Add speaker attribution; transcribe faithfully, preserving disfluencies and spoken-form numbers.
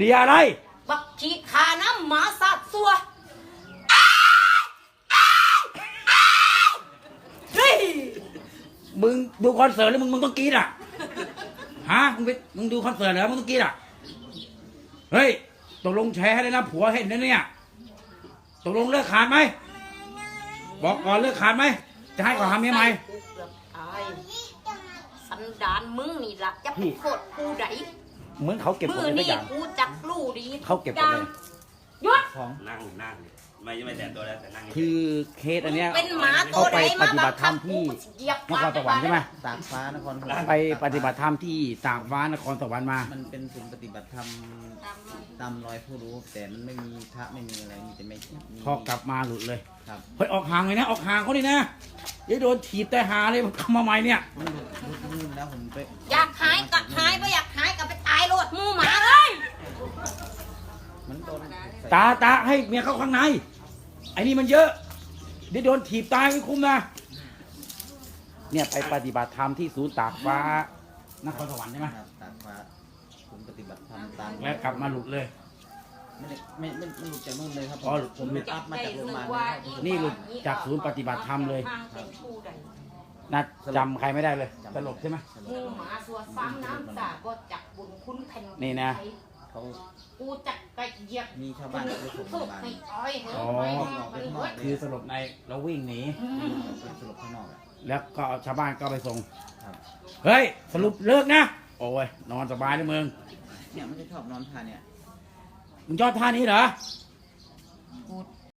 Speaker 1: ลียอะไร
Speaker 2: บักขีขาน้ำหมาสัตว์สัวเฮ้ย
Speaker 1: มึงดูคอนเสิร์ตแล้วมึงมึงต้องกรี๊ดอ่ะฮะมึงไปมึงดูคอนเสิร์ตเหรอมึงต้องกรี๊ดอ่ะเฮ้ยตกลงแชร์ให้เลยนะผัวเห็นนะเนี่ยตกลงเลิกขาดไหมบอกก่อนเลิกขาดไหมจะให้ก่อนทำเมียใหม่
Speaker 2: สันดานมึงนี่ล่ะจะไปโทษกูใด
Speaker 1: เหมือนเขาเก็บกดอะไรสักอย่าง
Speaker 2: กูจักลู่ดี
Speaker 1: เขาเก็บกดเลย
Speaker 2: ยศ
Speaker 1: ของ
Speaker 3: นั่งนั่งไม่ไม่แต่ตัวแล้วแต่นั่ง
Speaker 1: คือเคสอันเนี้ย
Speaker 2: เป็นหมาตั
Speaker 1: เขาไป
Speaker 2: วไหน
Speaker 1: ป
Speaker 2: มา
Speaker 1: ฏิบัติธรรมที่นครสวรรค์ใช่ไหม
Speaker 4: ตากฟ้านครสวรรค์
Speaker 1: ไปปฏิบัติธรรมที่ตากฟ้านครสวรรค์มา
Speaker 4: มันเป็นศูนย์ปฏิบัติธรรมตามรอยผู้รู้แต่มันไม่มีพระไม่มีอะไรมีแต่ไม่
Speaker 1: พอกลับมาหลุดเลย
Speaker 4: ครับ
Speaker 1: เฮ้ยออกห่างเลยนะออกห่างเขาดินะเดี๋ยวโดนถีบแต่หาเลยเข้ามาใหม่เนี่ย
Speaker 4: มันหลุดหลุดลื่นแล้วผมไป
Speaker 2: อยากหายก็หายไม่อยากหายก็ไปตายโลดมูหมาเลย
Speaker 4: มันโดน
Speaker 1: ตาตาให้เมียเข้าข้างในไอ้นี่มันเยอะเดี๋ยวโดนถีบตายไม่คุ้มนะเนี่ยไปปฏิบัติธรรมที่ศูนย์ตากฟ้านครสวรรค์ใช่ไหม
Speaker 4: ครับตากฟ้าศูนย์ปฏิบัติธรรมตาม
Speaker 1: แล้วกลับมาหลุดเลย
Speaker 4: ไม่ได้ไม่ไม่ไม่หลุดจากนู่นเลยครับ
Speaker 1: อ๋อ
Speaker 4: ผมหลุดอัพมาจากโรงพยาบาล
Speaker 1: นี่หลุดจากศูนย์ปฏิบัติธรรมเลยนัดจำใครไม่ได้เลยสลบใช่ไหม
Speaker 2: มูหมาสัวซ้ำน้ำสาก็จักบุญคุณแผ่น
Speaker 1: นี่นะ
Speaker 4: เขา
Speaker 2: กูจักไก่เหยียบ
Speaker 4: มีชาวบ้านไปส่งโรงพยาบาล
Speaker 1: อ๋อคือสลบในแล้ววิ่งหนี
Speaker 4: สลบข้างนอก
Speaker 1: แล้วก็ชาวบ้านก็ไปส่งเฮ้ยสรุปเลิกนะโอ้ยนอนสบายเลยมึง
Speaker 4: เนี่ยมันจะชอบนอนท่าเนี่ย
Speaker 1: มึงชอบท่านี้เหรอ
Speaker 2: กู